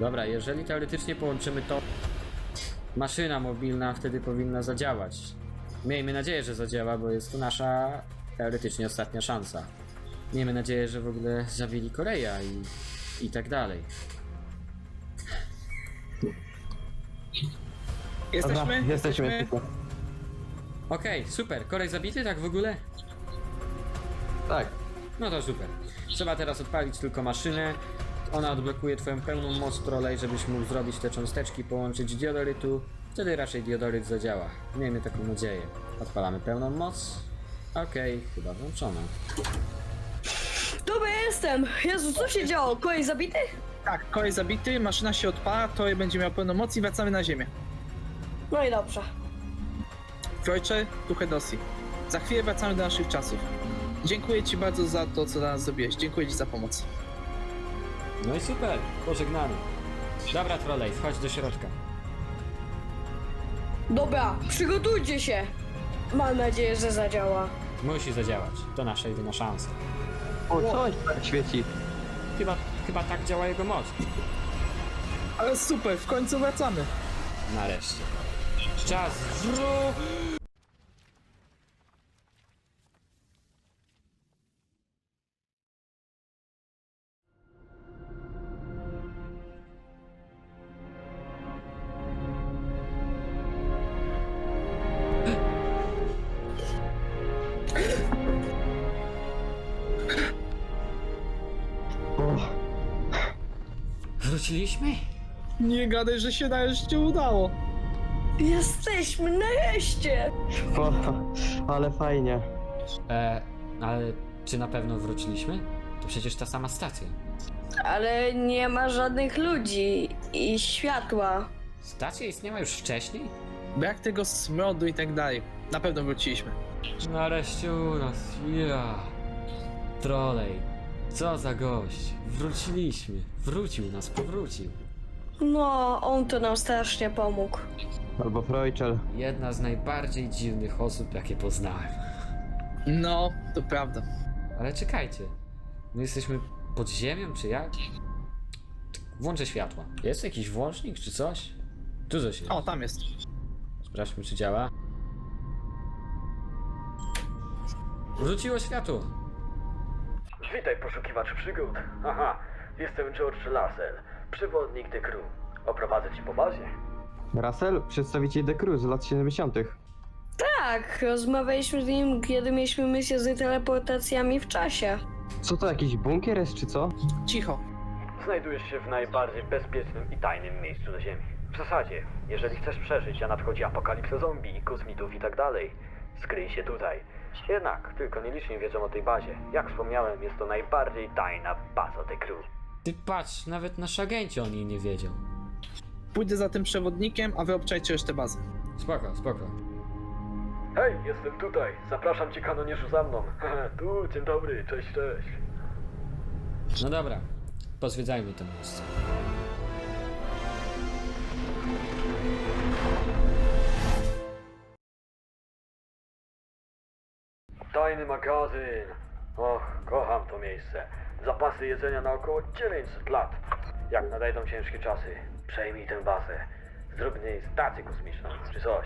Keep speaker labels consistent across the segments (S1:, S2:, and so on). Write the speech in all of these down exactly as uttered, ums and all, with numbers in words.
S1: Dobra, jeżeli teoretycznie połączymy to, maszyna mobilna wtedy powinna zadziałać. Miejmy nadzieję, że zadziała, bo jest to nasza teoretycznie ostatnia szansa. Miejmy nadzieję, że w ogóle zabili Koreja i, i tak dalej.
S2: Jesteśmy?
S3: Dobra, jesteśmy.
S1: Okej, okay, super. Korej zabity, tak w ogóle?
S3: Tak.
S1: No to super. Trzeba teraz odpalić tylko maszynę. Ona odblokuje twoją pełną moc trolej, żebyś mógł zrobić te cząsteczki, połączyć diodorytu. Wtedy raczej diodoryt zadziała. Miejmy taką nadzieję. Odpalamy pełną moc. Okej, okay, chyba włączona.
S4: Dobra, jestem! Jezu, co się działo? Koleś zabity?
S2: Tak, kolej zabity, maszyna się odpala, to będzie miał pełną moc i wracamy na ziemię.
S4: No i dobrze.
S2: Frojcze, tu Hedosi. Za chwilę wracamy do naszych czasów. Dziękuję ci bardzo za to, co dla nas zrobiłeś. Dziękuję ci za pomoc.
S1: No i super, pożegnamy. Dobra, trolej, wchodź do środka.
S4: Dobra, przygotujcie się! Mam nadzieję, że zadziała.
S1: Musi zadziałać. To nasza jedyna szansa.
S3: O, coś tak świeci.
S1: Chyba, chyba tak działa jego moc.
S2: Ale super, w końcu wracamy.
S1: Nareszcie. Czas wró...
S3: O,
S1: Wróciliśmy?
S2: Nie gadaj, że się nareszcie udało.
S4: Jesteśmy nareszcie!
S3: o, ale fajnie.
S1: E, ale czy na pewno wróciliśmy? To przecież ta sama stacja.
S4: Ale nie ma żadnych ludzi i światła.
S1: Stacja istniała już wcześniej?
S2: Brak tego smrodu i tak dalej. Na pewno wróciliśmy.
S1: Nareszcie u nas, ja. Trolej, co za gość. Wróciliśmy. Wrócił nas, powrócił.
S4: No, on to nam strasznie pomógł.
S3: Albo Frojczel.
S1: Jedna z najbardziej dziwnych osób, jakie poznałem.
S2: No, to prawda.
S1: Ale czekajcie. My jesteśmy pod ziemią, czy jak? Włączę światła. Jest jakiś włącznik, czy coś? Tu coś jest.
S2: O, tam jest.
S1: Sprawdźmy, czy działa. Wróciło światło.
S5: Witaj, poszukiwacz przygód. Aha, jestem George Lassell, przewodnik The Crew. Oprowadzę ci po bazie.
S3: Russell, przedstawiciel The Crew z lat siedemdziesiątych.
S4: Tak, rozmawialiśmy z nim, kiedy mieliśmy misję z teleportacjami w czasie.
S3: Co to, jakiś bunkier jest, czy co?
S2: Cicho.
S5: Znajdujesz się w najbardziej bezpiecznym i tajnym miejscu na Ziemi. W zasadzie, jeżeli chcesz przeżyć, a nadchodzi apokalipsa zombie, kosmitów i tak dalej, skryj się tutaj. Jednak, tylko nieliczni wiedzą o tej bazie. Jak wspomniałem, jest to najbardziej tajna baza The Crew.
S1: Ty patrz, nawet nasz agenci o niej nie wiedział.
S2: Pójdę za tym przewodnikiem, a wy obczajcie resztę bazy.
S1: Spoko, spoko.
S5: Hej, jestem tutaj. Zapraszam cię, kanonierzu, za mną. Tu, dzień dobry, cześć, cześć.
S1: No dobra, pozwiedzajmy to miejsce.
S5: Tajny magazyn. Och, kocham to miejsce. Zapasy jedzenia na około dziewięćset lat. Jak nadejdą ciężkie czasy, przejmij tę bazę. Zrób z niej stację kosmiczną, czy coś.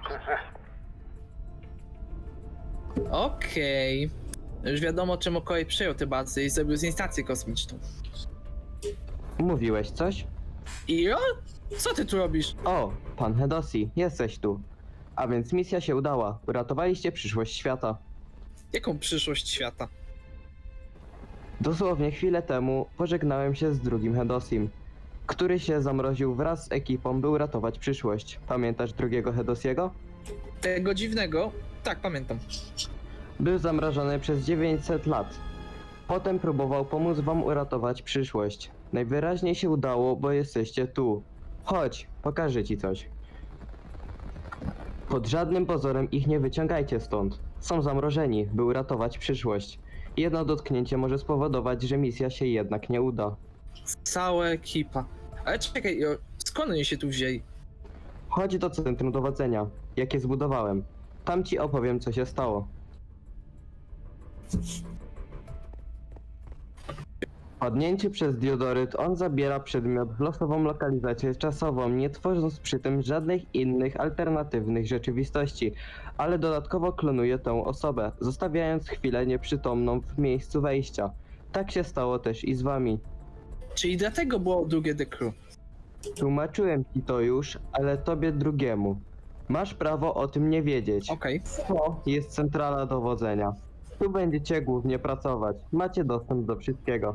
S2: Okej. Już wiadomo, czemu kolej przejął tę bazę i zrobił z niej stację kosmiczną.
S3: Mówiłeś coś?
S2: Iro? Co ty tu robisz?
S3: O, pan Hedosi, jesteś tu. A więc misja się udała. Uratowaliście przyszłość świata.
S2: Jaką przyszłość świata?
S3: Dosłownie chwilę temu pożegnałem się z drugim Hedosim, który się zamroził wraz z ekipą, by uratować przyszłość. Pamiętasz drugiego Hedosiego?
S2: Tego dziwnego? Tak, pamiętam.
S3: Był zamrożony przez dziewięćset lat. Potem próbował pomóc wam uratować przyszłość. Najwyraźniej się udało, bo jesteście tu. Chodź, pokażę ci coś. Pod żadnym pozorem ich nie wyciągajcie stąd. Są zamrożeni, by uratować przyszłość. Jedno dotknięcie może spowodować, że misja się jednak nie uda.
S2: Cała ekipa. Ale czekaj, Iro, skąd oni się tu wzięli?
S3: Chodź do centrum dowodzenia, jakie zbudowałem. Tam ci opowiem, co się stało. Wpadnięcie przez diodoryt on zabiera przedmiot w losową lokalizację czasową, nie tworząc przy tym żadnych innych alternatywnych rzeczywistości, ale dodatkowo klonuje tę osobę, zostawiając chwilę nieprzytomną w miejscu wejścia. Tak się stało też i z wami.
S2: Czyli dlatego było drugie The Crew.
S3: Tłumaczyłem ci to już, ale tobie drugiemu. Masz prawo o tym nie wiedzieć.
S2: Okej.
S3: To jest centrala dowodzenia. Tu będziecie głównie pracować. Macie dostęp do wszystkiego.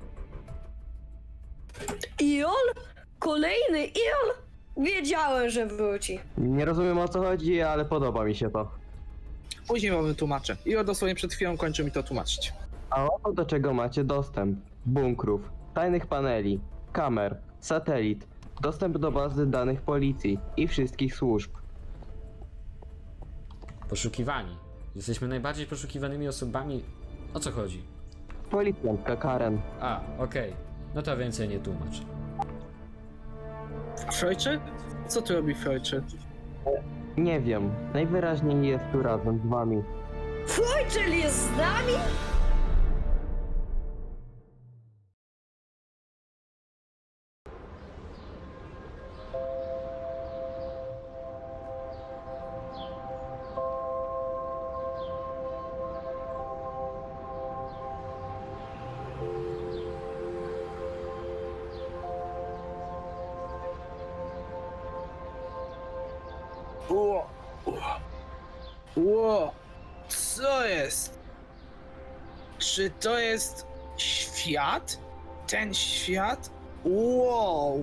S4: Iol? Kolejny Iol? Wiedziałem, że wróci.
S3: Nie rozumiem o co chodzi, ale podoba mi się to.
S2: Później wam wytłumaczę. I o dosłownie przed chwilą kończył mi to tłumaczyć.
S3: A oto do czego macie dostęp. Bunkrów, tajnych paneli, kamer, satelit, dostęp do bazy danych policji i wszystkich służb.
S1: Poszukiwani. Jesteśmy najbardziej poszukiwanymi osobami. O co chodzi?
S3: Policjantka Karen.
S1: A, okej. No to więcej nie tłumacz.
S2: Frojczy? Co tu robi Frojczy?
S3: Nie wiem, najwyraźniej jest tu razem z wami.
S4: Frojczel jest z nami?
S2: Ło! Ło! Co jest? Czy to jest świat? Ten świat? Wow!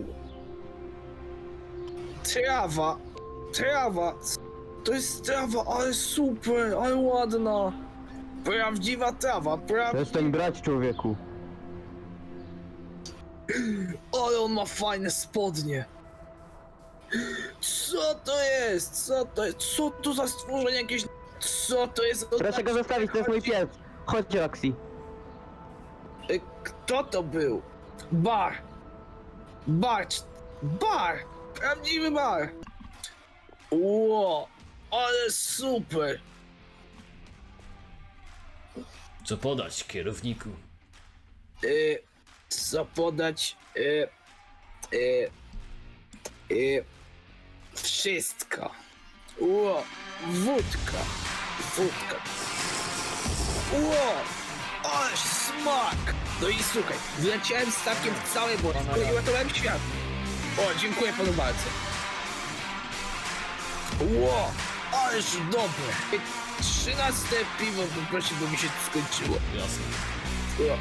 S2: Trawa! Trawa! To jest trawa, ale super, ale ładna! Prawdziwa trawa, prawdziwa...
S3: Przestań brać, człowieku.
S2: Ale on ma fajne spodnie! Co to jest? Co to jest? Co to za stworzenie jakieś... Co to jest?
S3: Proszę go zostawić, to jest mój pies. Chodź, Roxy.
S2: Y, Kto to był? Bar! Bar! Bar! Prawdziwy bar! Ło! Ale super!
S1: Co podać, kierowniku?
S2: Y, co podać? Y, y, y, wszystko. Ło! Wódka! Wódka! Ło! Ale smak! No i słuchaj, wleciałem statkiem w całe boisko i uratowałem świat. O, dziękuję panu bardzo. Ło! Ależ dobre! Trzynaste piwo poprosił, bo mi się skończyło.
S1: Jasne.
S2: O.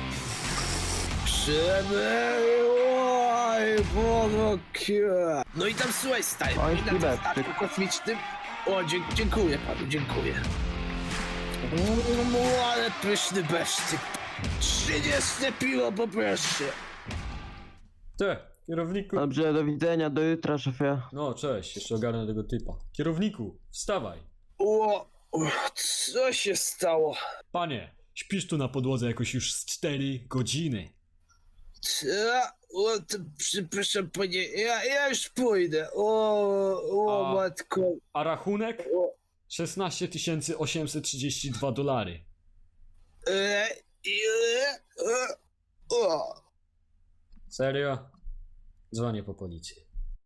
S2: Przebyłaj powokie. No i tam słuchaj, stary,
S3: Oj,
S2: i na tym
S3: Tibet,
S2: statku
S3: ty-
S2: kosmicznym. O, dzie dziękuję panu, dziękuję. Mm, ale pyszny besztyk. Trzydzieste piwo poproszę.
S1: Ty, kierowniku.
S3: Dobrze, do widzenia, do jutra, szefie.
S1: No, cześć, jeszcze ogarnę tego typa. Kierowniku, wstawaj.
S2: O, o, co się stało?
S1: Panie, śpisz tu na podłodze jakoś już z cztery godziny.
S2: Ta, o, to, przepraszam panie, ja, ja już pójdę. O, o
S1: A-
S2: matko.
S1: A rachunek?
S2: O,
S1: szesnaście tysięcy osiemset trzydzieści dwa dolary.
S2: e, ile? E, o.
S1: Serio? Dzwonię po policję.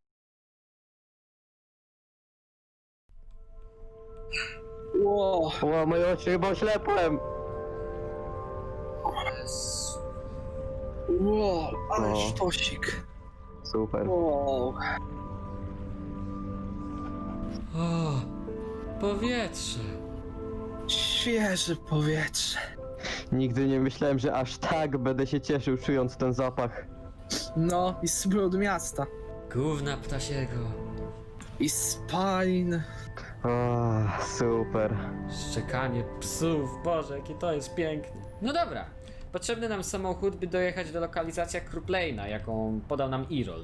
S2: Ło,
S3: O, moje oczy, chyba oślepłem.
S2: ło, ale
S3: O.
S2: sztosik.
S3: Super.
S2: Wow.
S1: O, powietrze.
S2: Świeże powietrze.
S3: Nigdy nie myślałem, że aż tak będę się cieszył, czując ten zapach.
S2: No, i smród miasta.
S1: Gówna ptasiego.
S2: I spalin.
S3: O, super.
S1: Szczekanie psów, Boże, jakie to jest piękne. No dobra, potrzebny nam samochód, by dojechać do lokalizacji Kruplane'a, jaką podał nam Irol.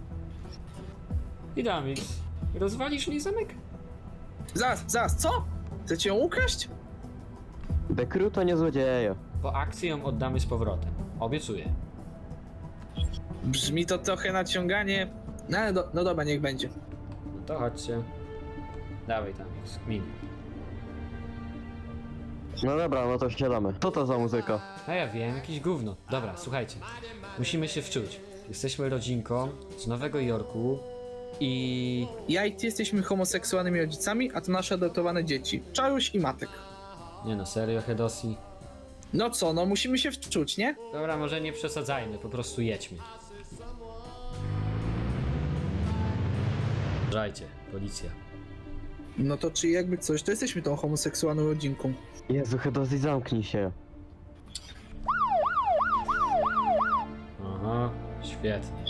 S1: I Damix, rozwalisz mi zamek?
S2: Zaraz, zaraz, co? Chcecie ją ukraść?
S3: The Crew to nie złodzieje.
S1: Po akcji ją oddamy z powrotem. Obiecuję.
S2: Brzmi to trochę naciąganie. No ale do, no dobra, niech będzie.
S1: No to chodźcie. Dawaj Damix, min.
S3: No dobra, no to wsiadamy. Co to za muzyka?
S1: A ja wiem, jakieś gówno. Dobra, słuchajcie. Musimy się wczuć. Jesteśmy rodzinką z Nowego Jorku i...
S2: Ja i ty jesteśmy homoseksualnymi rodzicami, a to nasze adoptowane dzieci. Czaruś i Matek.
S1: Nie no, serio, Hedosi?
S2: No co, no musimy się wczuć, nie?
S1: Dobra, może nie przesadzajmy, po prostu jedźmy. Uważajcie, policja.
S2: No to czy jakby coś, to jesteśmy tą homoseksualną rodzinką.
S3: Jezu, Hedosi, zamknij się.
S1: Aha, świetnie.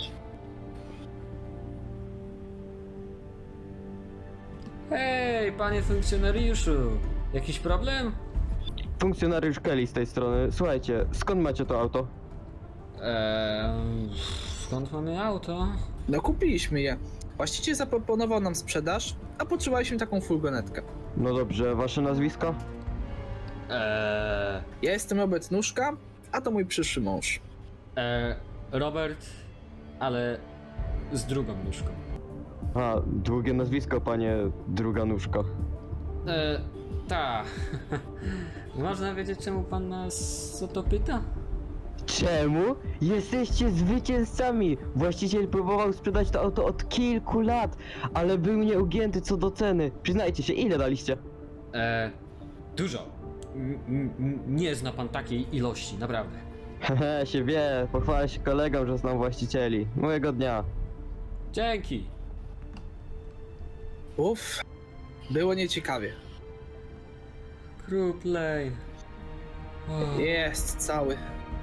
S1: Hej, panie funkcjonariuszu! Jakiś problem?
S3: Funkcjonariusz Kelly z tej strony. Słuchajcie, skąd macie to auto?
S1: Eee, skąd mamy auto?
S2: No kupiliśmy je. Właściciel zaproponował nam sprzedaż, a potrzebowaliśmy taką furgonetkę.
S3: No dobrze, wasze nazwisko?
S1: Eee,
S2: Ja jestem Robert Nóżka, a to mój przyszły mąż.
S1: eee, Robert, ale z drugą nóżką.
S3: A, długie nazwisko, panie druga nóżka.
S1: Eee, ta. Można wiedzieć, czemu pan nas o to pyta?
S3: Czemu? Jesteście zwycięzcami! Właściciel próbował sprzedać to auto od kilku lat, ale był nieugięty co do ceny. Przyznajcie się, ile daliście?
S1: Eee, dużo. M- m- nie zna pan takiej ilości, naprawdę.
S3: Hehe, się wie, pochwalę się kolegom, że znam właścicieli. Miłego dnia.
S1: Dzięki.
S2: Uff, było nieciekawie.
S1: Group Lane. O.
S2: Jest cały.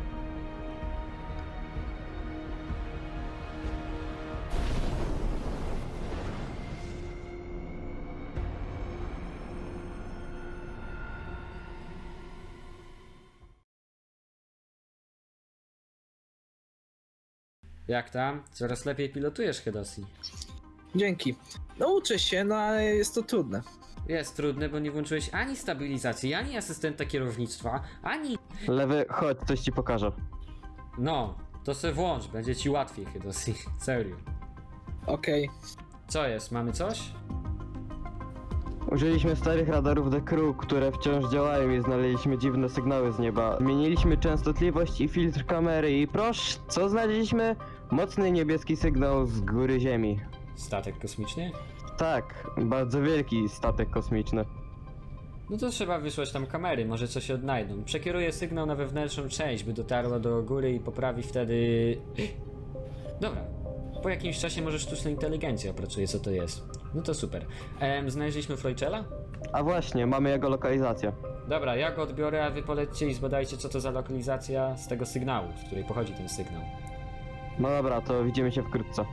S1: Jak tam? Coraz lepiej pilotujesz, Hedosi.
S2: Dzięki. No uczę się, no ale jest to trudne.
S1: Jest trudne, bo nie włączyłeś ani stabilizacji, ani asystenta kierownictwa, ani...
S3: Lewy, chodź, coś ci pokażę.
S1: No, to se włącz, będzie ci łatwiej, Hedosi. Serio.
S2: Okej.
S1: Co jest? Mamy coś?
S3: Użyliśmy starych radarów The Crew, które wciąż działają i znaleźliśmy dziwne sygnały z nieba. Zmieniliśmy częstotliwość i filtr kamery i proszę, co znaleźliśmy? Mocny niebieski sygnał z góry Ziemi.
S1: Statek kosmiczny?
S3: Tak, bardzo wielki statek kosmiczny.
S1: No to trzeba wysłać tam kamery, może coś odnajdą. Przekieruję sygnał na wewnętrzną część, by dotarła do góry i poprawi wtedy... Dobra. Po jakimś czasie może sztuczna inteligencja opracuje, co to jest. No to super. Ehm, znaleźliśmy Freuchela?
S3: A właśnie, mamy jego lokalizację.
S1: Dobra, ja go odbiorę, a wy polećcie i zbadajcie, co to za lokalizacja z tego sygnału, z której pochodzi ten sygnał.
S3: No dobra, to widzimy się wkrótce.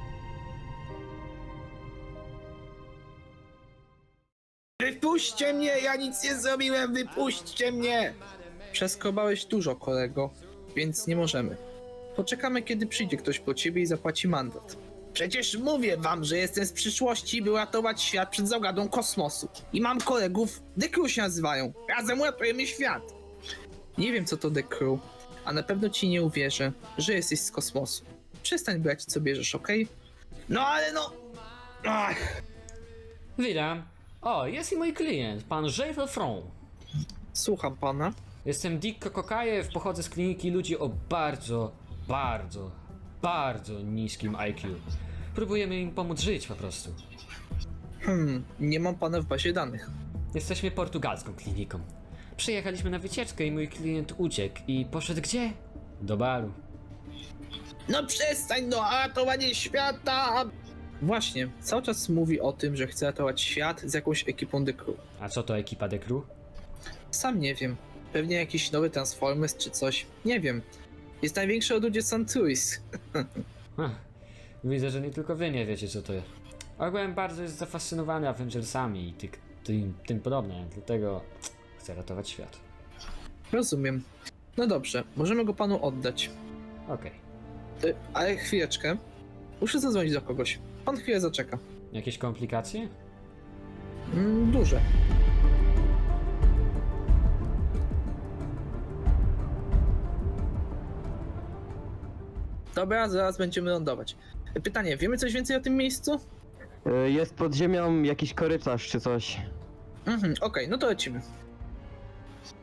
S2: Wypuśćcie mnie, ja nic nie zrobiłem, wypuśćcie mnie! Przeskrobałeś dużo, kolego, więc nie możemy. Poczekamy, kiedy przyjdzie ktoś po ciebie i zapłaci mandat. Przecież mówię wam, że jestem z przyszłości, by ratować świat przed zagadą kosmosu. I mam kolegów, The Crew się nazywają. Razem uratujemy świat. Nie wiem, co to The Crew, a na pewno ci nie uwierzę, że jesteś z kosmosu. Przestań brać, co bierzesz, okej? No ale no... Ach.
S1: Witam. O, jest i mój klient, pan Jay Lefron.
S2: Słucham pana.
S1: Jestem Dick Kokajew, pochodzę z kliniki ludzi o bardzo, bardzo, bardzo niskim I Q. Próbujemy im pomóc żyć po prostu.
S2: Hmm, nie mam pana w bazie danych.
S1: Jesteśmy portugalską kliniką. Przyjechaliśmy na wycieczkę i mój klient uciekł i poszedł gdzie? Do baru.
S2: No przestań, no, a ratowanie świata! Właśnie, cały czas mówi o tym, że chce ratować świat z jakąś ekipą The Crew.
S1: A co to ekipa The Crew?
S2: Sam nie wiem. Pewnie jakiś nowy Transformers czy coś. Nie wiem. Jest największy od ludzie Santuis.
S1: Hm. Widzę, że nie tylko wy nie wiecie, co to jest. Ogółem bardzo jest zafascynowany Avengersami i ty, tym, tym podobne, dlatego chcę ratować świat.
S2: Rozumiem. No dobrze, możemy go panu oddać.
S1: Okej.
S2: Y, ale chwileczkę. Muszę zadzwonić do kogoś. Pan chwilę zaczeka.
S1: Jakieś komplikacje?
S2: Mm, duże. Dobra, zaraz będziemy lądować. Pytanie, wiemy coś więcej o tym miejscu?
S3: Y, Jest pod ziemią jakiś korytarz czy coś.
S2: Mhm, okej, no to lecimy.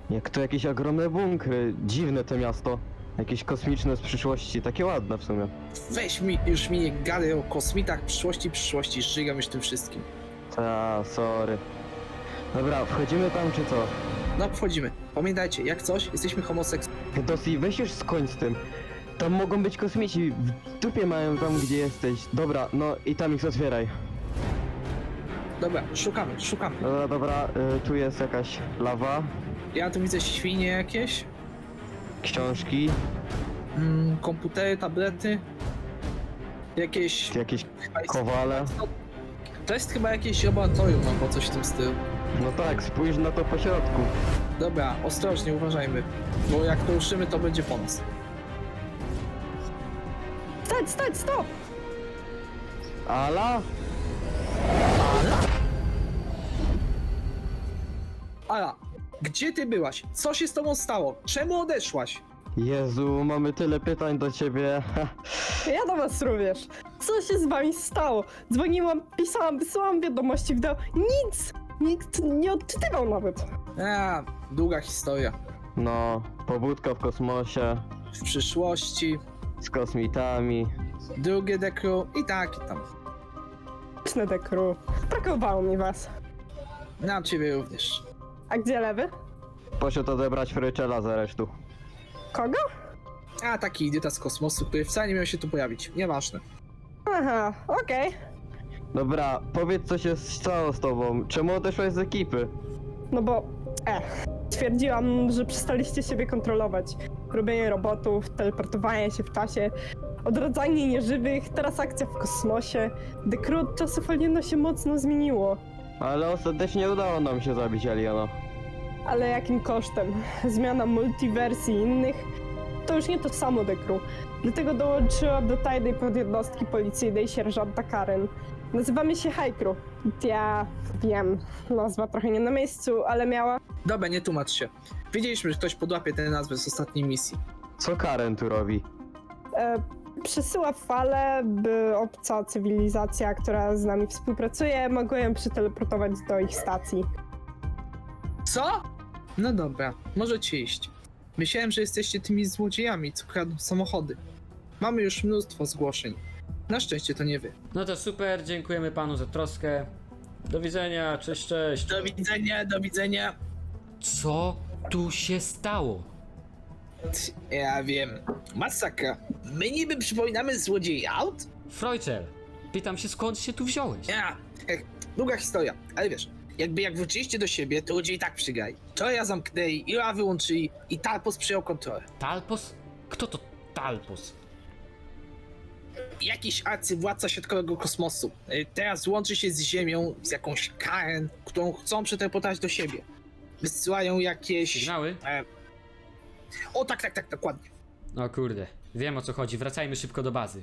S3: Jak to jakieś ogromne bunkry, dziwne to miasto. Jakieś kosmiczne z przyszłości, takie ładne w sumie.
S2: Weź mi, już mi nie gadaj o kosmitach przyszłości, przyszłości, żygam już tym wszystkim.
S3: Ta, sorry. Dobra, wchodzimy tam czy co?
S2: No, wchodzimy. Pamiętajcie, jak coś, jesteśmy homoseksualni.
S3: Dosi, weź już skończ z tym. Tam mogą być kosmici, w dupie mają tam gdzie jesteś. Dobra, no i tam ich otwieraj.
S2: Dobra, szukamy, szukamy.
S3: Dobra, dobra, y, tu jest jakaś lawa,
S2: Ja tu widzę świnie jakieś,
S3: książki,
S2: mm, komputery, tablety, jakieś...
S3: jakieś
S2: chyba jest-
S3: kowale.
S2: To jest chyba jakieś laboratorium albo coś w tym stylu.
S3: No tak, spójrz na to po środku.
S2: Dobra, ostrożnie, uważajmy. Bo jak to ruszymy, to będzie po nas.
S4: Stać, stać, stop!
S3: Ala?
S2: Ala, gdzie ty byłaś? Co się z tobą stało? Czemu odeszłaś?
S3: Jezu, mamy tyle pytań do ciebie.
S6: Ja do was również. Co się z wami stało? Dzwoniłam, pisałam, wysyłałam wiadomości, wideo. Nic! Nikt nie odczytywał nawet.
S2: A, długa historia.
S3: No, pobudka w kosmosie,
S2: W przyszłości,
S3: z kosmitami.
S2: drugie dekru i tak i tam.
S6: Czne dekru. Brakowało mi was.
S2: Na ciebie również.
S6: A gdzie lewy?
S3: Poszedł odebrać Fryczela z aresztu.
S6: Kogo?
S2: A, taki idiota z kosmosu, który wcale nie miał się tu pojawić. Nieważne.
S6: Aha, okej.
S3: Dobra, powiedz co się stało z tobą. Czemu odeszłaś z ekipy?
S6: No bo, e, twierdziłam, że przestaliście siebie kontrolować. Robienie robotów, teleportowanie się w czasie, odradzanie nieżywych, teraz akcja w kosmosie. Dekru od czasów aliena się mocno zmieniło.
S3: Ale ostatecznie udało nam się zabić Aliena.
S6: Ale jakim kosztem? Zmiana multiwersji innych? To już nie to samo, Dekru. Dlatego dołączyłam do tajnej podjednostki policyjnej sierżanta Karen. Nazywamy się Hajkru. Ja wiem, nazwa trochę nie na miejscu, ale miała...
S2: Dobra, nie tłumacz się. Wiedzieliśmy, że ktoś podłapie tę nazwę z ostatniej misji.
S3: Co Karen tu robi?
S6: E, przesyła fale, by obca cywilizacja, która z nami współpracuje, mogła ją przeteleportować do ich stacji.
S2: Co? No dobra, możecie iść. Myślałem, że jesteście tymi złodziejami, co kradną samochody. Mamy już mnóstwo zgłoszeń. Na szczęście to nie wy.
S1: No to super, dziękujemy panu za troskę. Do widzenia, cześć, cześć.
S2: Do widzenia, do widzenia.
S1: Co tu się stało?
S2: Ja wiem. Masakra. My niby przypominamy złodziei aut?
S1: Freuczel, pytam się skąd się tu wziąłeś?
S2: Ja. Ech, długa historia, ale wiesz, jakby jak wróciliście do siebie, to ludzie i tak przygrali. To ja zamknęli, Ila wyłączyli i Talpos przyjął kontrolę.
S1: Talpos? Kto to Talpos?
S2: Jakiś arcywładca środkowego kosmosu. Y, Teraz łączy się z Ziemią, z jakąś Karen, którą chcą przeteleportować do siebie. Wysyłają jakieś...
S1: Sygnały?
S2: E... O tak, tak, tak, dokładnie.
S1: O kurde, wiem o co chodzi, wracajmy szybko do bazy.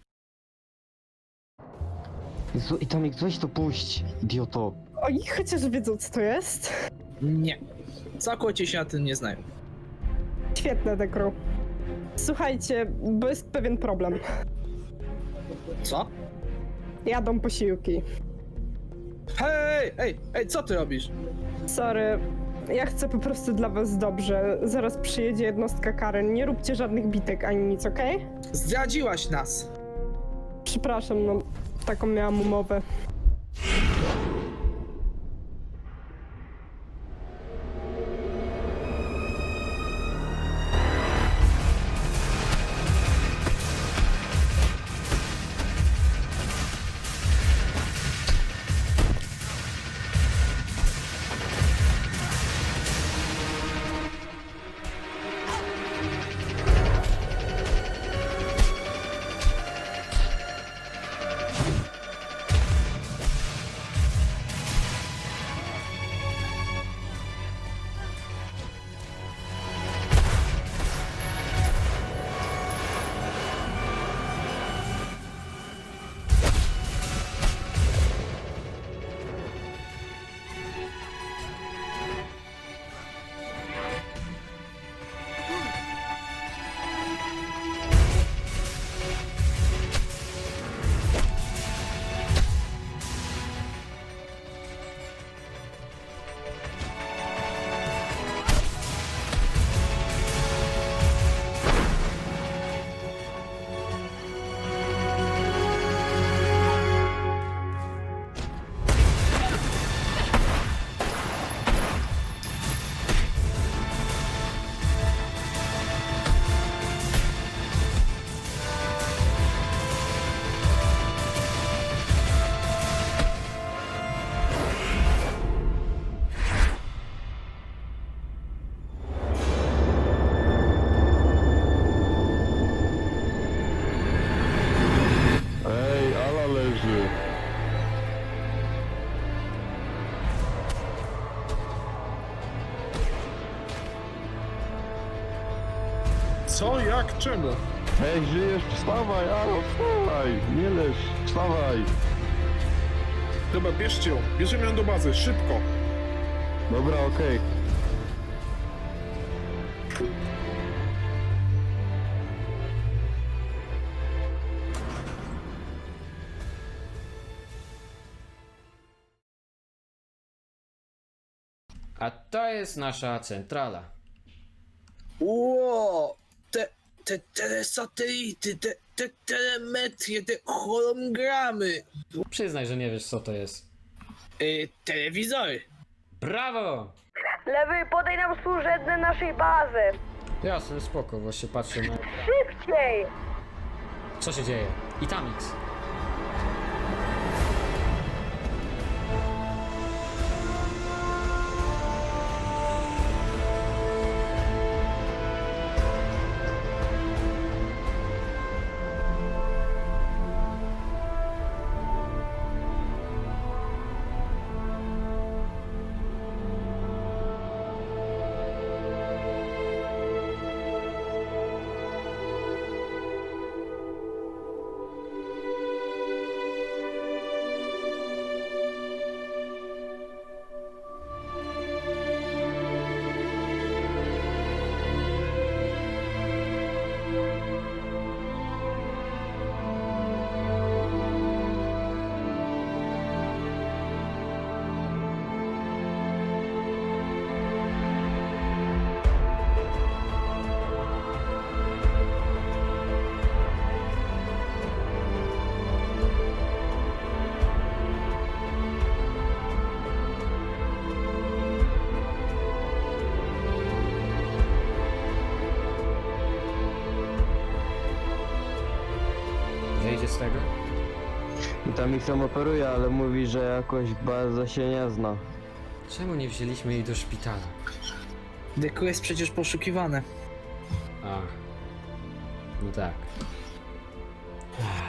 S3: Jezu, i tam ich coś to puść, idioto.
S6: Oni chociaż wiedzą, co to jest.
S2: Nie. Całkowicie się na tym nie znają.
S6: Świetne, Dekru. Słuchajcie, bo jest pewien problem.
S2: Co?
S6: Jadą posiłki.
S2: Hej, ej, ej, co ty robisz?
S6: Sorry, ja chcę po prostu dla was dobrze. Zaraz przyjedzie jednostka Karen. Nie róbcie żadnych bitek ani nic, okej?
S2: Zdradziłaś nas.
S6: Przepraszam, no taką miałam umowę.
S7: Co? Jak? Czemu?
S8: Hej, żyjesz? Wstawaj, Aro, wstawaj! Nie leż, wstawaj!
S7: Dobra, bierzcie ją. Bierzemy ją do bazy, szybko.
S8: Dobra, okej.
S1: A to jest nasza centrala.
S2: Ło! Te, te telesatelity, te, te telemetrie, te hologramy.
S1: Przyznaj, że nie wiesz co to jest.
S2: Yy, telewizory.
S1: Brawo!
S4: Lewy, podaj nam służebne naszej bazy.
S1: Jasne, spoko, właśnie patrzę na...
S4: Szybciej!
S1: Co się dzieje? Itamix. Wyjdzie z tego?
S3: I tam ich sam operuje, ale mówi, że jakoś bardzo się nie zna.
S1: Czemu nie wzięliśmy jej do szpitala?
S2: Deku jest przecież poszukiwane.
S1: A. No tak. Ach.